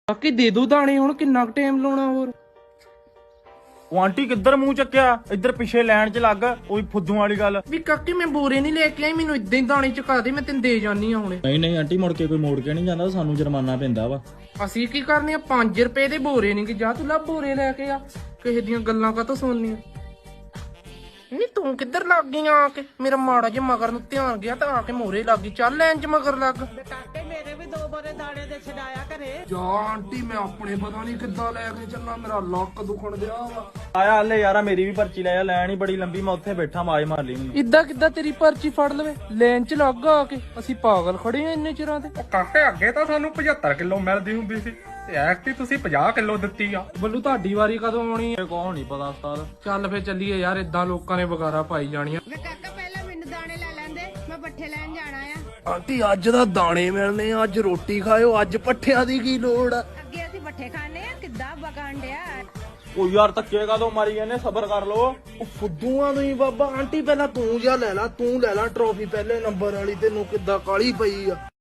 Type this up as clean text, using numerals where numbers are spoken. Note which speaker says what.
Speaker 1: ਬਾਕੀ ਦੇ ਦੋ ਦਾਣੇ। ਹੁਣ ਕਿੰਨਾ ਕੁ ਟਾਈਮ ਲਾਉਣਾ ਹੋਰ?
Speaker 2: ਉਹ ਆਂਟੀ ਕਿੱਧਰ ਮੂੰਹ ਚੱਕਿਆ? ਇੱਧਰ ਪਿੱਛੇ ਲਾਈਨ 'ਚ ਲੱਗ। ਉਹੀ ਫੁੱਦੂ ਵਾਲੀ ਗੱਲ।
Speaker 1: ਵੀ ਕਾਕੀ ਮੈਂ ਬੋਰੇ ਨਹੀਂ ਲੈ ਕੇ ਆਈ, ਮੈਨੂੰ ਇਦਾਂ ਹੀ ਦਾਣੇ ਚੁਕਾ ਦੇ, ਮੈਂ ਤੈਨੂੰ ਦੇ ਜਾਨੀ ਆ ਹੁਣੇ।
Speaker 2: ਨਹੀਂ ਆਂਟੀ, ਮੁੜ ਕੇ ਕੋਈ ਮੋੜ ਕੇ ਨਹੀਂ ਜਾਂਦਾ, ਸਾਨੂੰ ਜੁਰਮਾਨਾ ਪੈਂਦਾ ਵਾ।
Speaker 1: ਅਸੀਂ ਕੀ ਕਰਨੇ ਆ? 5 ਰੁਪਏ ਦੇ ਬੋਰੇ ਨਹੀਂ ਕਿ ਜਾ ਤੂੰ ਲਾ ਬੋਰੇ ਲੈ ਕੇ ਆ। ਕਿਸੇ ਦੀਆਂ ਗੱਲਾਂ ਕਾਹਤੋਂ ਸੁਣਨੀਆਂ? ਨਹੀਂ ਤੂੰ ਕਿੱਧਰ ਲੱਗ ਗਈ ਆ ਕੇ? ਮੇਰਾ ਮਾੜਾ ਜਿਹਾ ਮਗਰ ਨੂੰ ਧਿਆਨ ਗਿਆ ਤਾਂ ਆ ਕੇ ਮੋਰੇ ਲੱਗ ਗਈ। ਚੱਲ ਲੈਣ ਚ ਮਗਰ ਲੱਗ।
Speaker 3: ਕਾਕੇ ਮੇਰੇ ਵੀ 2 ਬੋਰੇ ਦਾਣੇ ਦੇ ਛਡਾਇਆ ਘਰੇ।
Speaker 1: ਜਾ ਆਂਟੀ, ਮੈਂ ਆਪਣੇ ਪਤਾ ਨਹੀਂ ਕਿੱਦਾਂ ਲੈ ਕੇ ਚੱਲਾਂ, ਮੇਰਾ ਲੱਕ ਦੁਖਣ ਦਿਆ ਵਾ।
Speaker 2: ਆਇਆ ਹਲੇ ਯਾਰਾ, ਮੇਰੀ ਵੀ ਪਰਚੀ ਲੈ ਆ। ਲੈਣ ਹੀ ਬੜੀ ਲੰਬੀ, ਮੈਂ ਉੱਥੇ ਬੈਠਾ, ਮਾਜ ਮਾਰ ਲਈ ਮੈਨੂੰ।
Speaker 1: ਇਦਾਂ ਕਿੱਦਾਂ ਤੇਰੀ ਪਰਚੀ ਫੜ ਲਵੇ? ਲੈਣ ਚ ਲੱਗ ਆ ਕੇ। ਅਸੀਂ ਪਾਗਲ ਖੜੇ ਆ ਇੰਨੇ ਚਿਰਾਂ ਦੇ।
Speaker 4: ਕਾਕੇ ਅੱਗੇ ਤਾਂ ਸਾਨੂੰ 75 ਕਿਲੋ ਮਿਲਦੀ ਹੁੰਦੀ ਸੀ ਤੇ ਐਕਟੀ ਤੁਸੀਂ 50 ਕਿਲੋ ਦਿੱਤੀ ਆ।
Speaker 1: ਬੱਲੂ ਤੁਹਾਡੀ ਵਾਰੀ ਕਦੋਂ ਆਉਣੀ ਹੈ?
Speaker 2: ਕੌਣ ਨਹੀਂ ਪਤਾ ਉਸਤਾਦ।
Speaker 1: ਚੱਲ ਫੇ ਚੱਲੀਏ ਯਾਰ, ਇਦਾਂ ਲੋਕਾਂ ਨੇ ਵਗਾਰਾ ਪਾਈ ਜਾਣੀਆਂ।
Speaker 3: ਵੇ ਕਾਕਾ ਪਹਿਲਾਂ ਮੈਨੂੰ ਦਾਣੇ ਲੈ ਲੈਂਦੇ, ਮੈਂ ਪੱਠੇ ਲੈਣ ਜਾਣਾ ਆ।
Speaker 1: ਆਂਟੀ ਅੱਜ ਦਾ ਦਾਣੇ ਮਿਲਨੇ, ਅੱਜ ਰੋਟੀ ਖਾਇਓ, ਅੱਜ ਪੱਠਿਆਂ ਦੀ ਕੀ ਲੋੜ ਆ?
Speaker 3: ਅੱਗੇ ਅਸੀਂ ਪੱਠੇ ਖਾਣੇ ਆ, ਕਿੱਦਾਂ ਬਗਾਣ ਡਿਆ।
Speaker 2: ਉਹ ਯਾਰ ਧੱਕੇ ਕਾਹਦੋਂ ਮਾਰੀ ਜਾਂਦੇ? ਸਬਰ ਕਰ ਲੋ।
Speaker 1: ਉਹ ਫੁੱਦੂਆਂ ਤੋਂ ਹੀ ਬਾਬਾ। ਆਂਟੀ ਪਹਿਲਾਂ ਤੂੰ ਜਾ ਲੈ ਲਾ, ਤੂੰ ਲੈ ਲਾ ਟਰੋਫੀ ਪਹਿਲੇ ਨੰਬਰ ਵਾਲੀ। ਤੈਨੂੰ ਕਿੱਦਾਂ ਕਾਲੀ ਪਈ ਆ?